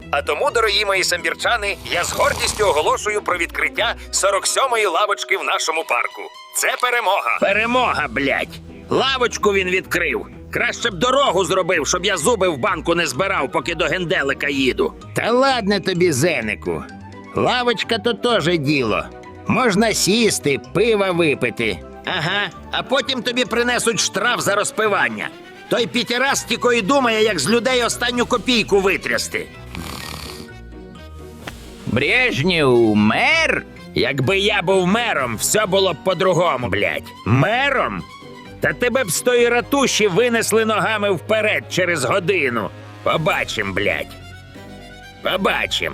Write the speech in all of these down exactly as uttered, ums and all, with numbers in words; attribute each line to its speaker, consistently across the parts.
Speaker 1: А тому, дорогі мої самбірчани, я з гордістю оголошую про відкриття сорок сьомої лавочки в нашому парку. Це перемога.
Speaker 2: Перемога, блядь! Лавочку він відкрив. Краще б дорогу зробив, щоб я зуби в банку не збирав, поки до генделика їду. Та ладно тобі, Зенику. Лавочка то теж діло. Можна сісти, пива випити. Ага, а потім тобі принесуть штраф за розпивання. Той п'ятірас тільки й думає, як з людей останню копійку витрясти.
Speaker 3: Брежнєв мер?
Speaker 2: Якби я був мером, все було б по-другому, блядь. Мером? Та тебе б з тої ратуші винесли ногами вперед через годину. Побачим, блядь. Побачим.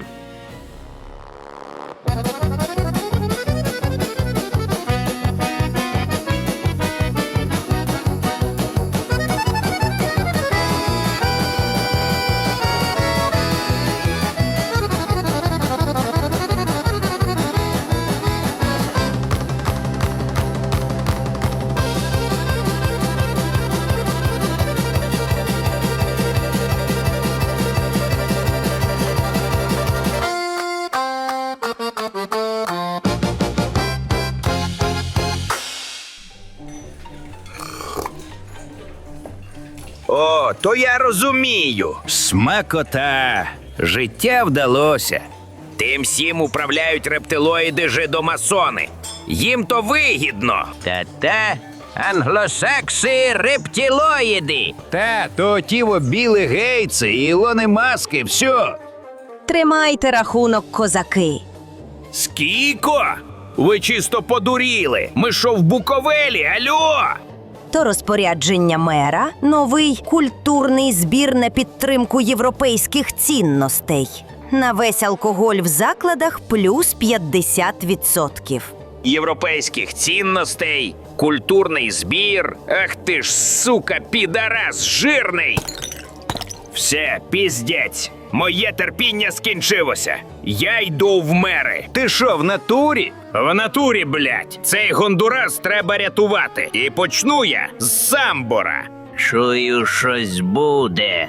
Speaker 3: О, то я розумію. Смакота. Життя вдалося. Тим всім управляють рептилоїди жидомасони. Їм то вигідно. Та-та, англосакси рептилоїди. Та, то тіво білі гейтси і Ілони Маски, все.
Speaker 4: Тримайте рахунок, козаки.
Speaker 3: Скіко? Ви чисто подуріли. Ми що в Буковелі, альо?
Speaker 4: То розпорядження мера – новий культурний збір на підтримку європейських цінностей. На весь алкоголь в закладах плюс п'ятдесят відсотків.
Speaker 3: Європейських цінностей, культурний збір. Ах ти ж, сука, підарас жирний! Все, піздець. Моє терпіння скінчилося. Я йду в мери. Ти що, в натурі? В натурі, блядь. Цей Гондурас треба рятувати. І почну я з Самбора. Чую, щось буде.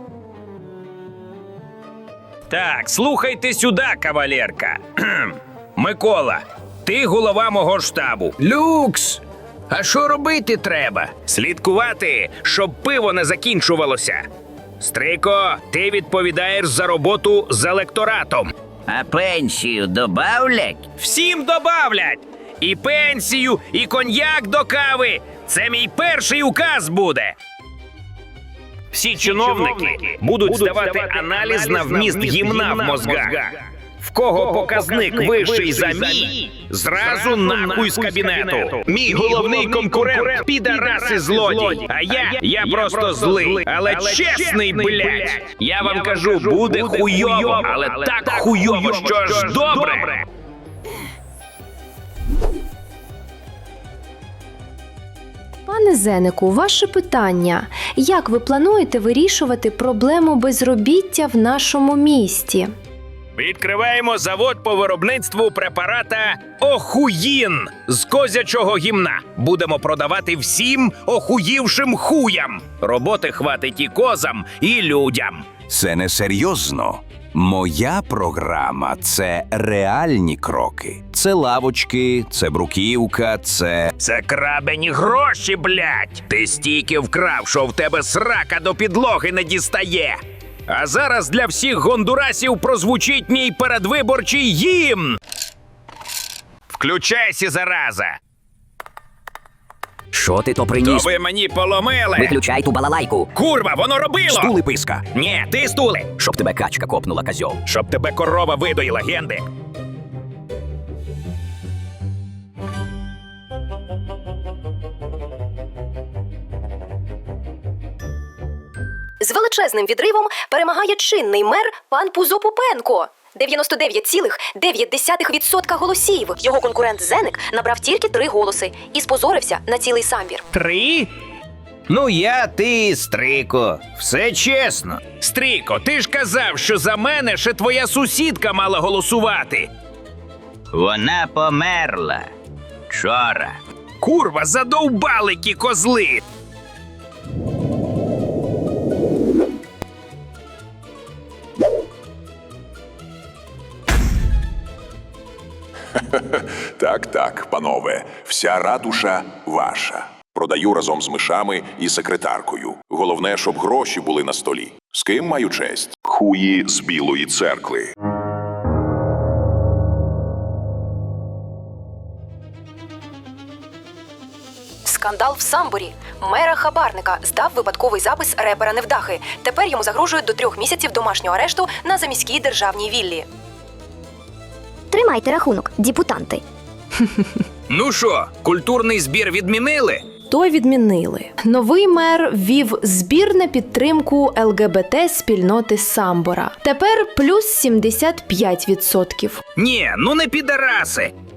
Speaker 3: Так, слухайте сюди, кавалерка. Микола, ти голова мого штабу. Люкс! А що робити треба? Слідкувати, щоб пиво не закінчувалося. Стрико, ти відповідаєш за роботу з електоратом.
Speaker 5: А пенсію добавлять?
Speaker 3: Всім добавлять! І пенсію, і коньяк до кави. Це мій перший указ буде. Всі чиновники будуть здавати аналіз на вміст гімна в мозгах. В кого показник вищий за мій, зразу нахуй з кабінету. Мій головний конкурент – підарас і злодій. А я, я просто злий, але чесний, блядь. Я вам кажу, буде хуйово, але так хуйово, що аж добре.
Speaker 6: Пане Зенику, ваше питання. Як ви плануєте вирішувати проблему безробіття в нашому місті?
Speaker 3: Відкриваємо завод по виробництву препарата «Охуїн» з козячого гімна. Будемо продавати всім охуївшим хуям. Роботи хватить і козам, і людям.
Speaker 7: Це не серйозно. Моя програма – це реальні кроки. Це лавочки, це бруківка, це…
Speaker 3: Це крабені гроші, блядь! Ти стільки вкрав, що в тебе срака до підлоги не дістає. А зараз для всіх гондурасів прозвучить мій передвиборчий гімн. Включайся, зараза!
Speaker 5: Що ти то
Speaker 3: То
Speaker 5: приніс?
Speaker 3: ви мені поломили!
Speaker 5: Виключай ту балалайку.
Speaker 3: Курва, воно робило!
Speaker 5: Стули писка.
Speaker 3: Ні, ти стули!
Speaker 5: Щоб тебе качка копнула, козьол.
Speaker 3: Щоб тебе корова видоїла, генди!
Speaker 8: З величезним відривом перемагає чинний мер пан Пузо Пупенко. дев'яносто дев'ять цілих дев'ять десятих відсотка голосів. Його конкурент Зеник набрав тільки три голоси і спозорився на цілий самбір.
Speaker 3: Три? Ну я, ти, Стрико. Все чесно. Стрико, ти ж казав, що за мене ще твоя сусідка мала голосувати.
Speaker 5: Вона померла. Вчора.
Speaker 3: Курва, задовбали ті козли!
Speaker 9: Так, так, панове, вся ратуша ваша. Продаю разом з мишами і секретаркою. Головне, щоб гроші були на столі. З ким маю честь? Хуї з Білої церкви.
Speaker 8: Скандал в Самборі. Мера хабарника здав випадковий запис репера Невдахи. Тепер йому загрожують до трьох місяців домашнього арешту на заміській державній віллі.
Speaker 10: Тримайте рахунок, діпутанти.
Speaker 3: Ну що, культурний збір відмінили?
Speaker 6: То відмінили. Новий мер ввів збір на підтримку Ел Ге Бе Те спільноти Самбора. Тепер плюс сімдесят п'ять відсотків.
Speaker 3: Ні, ну не підараси.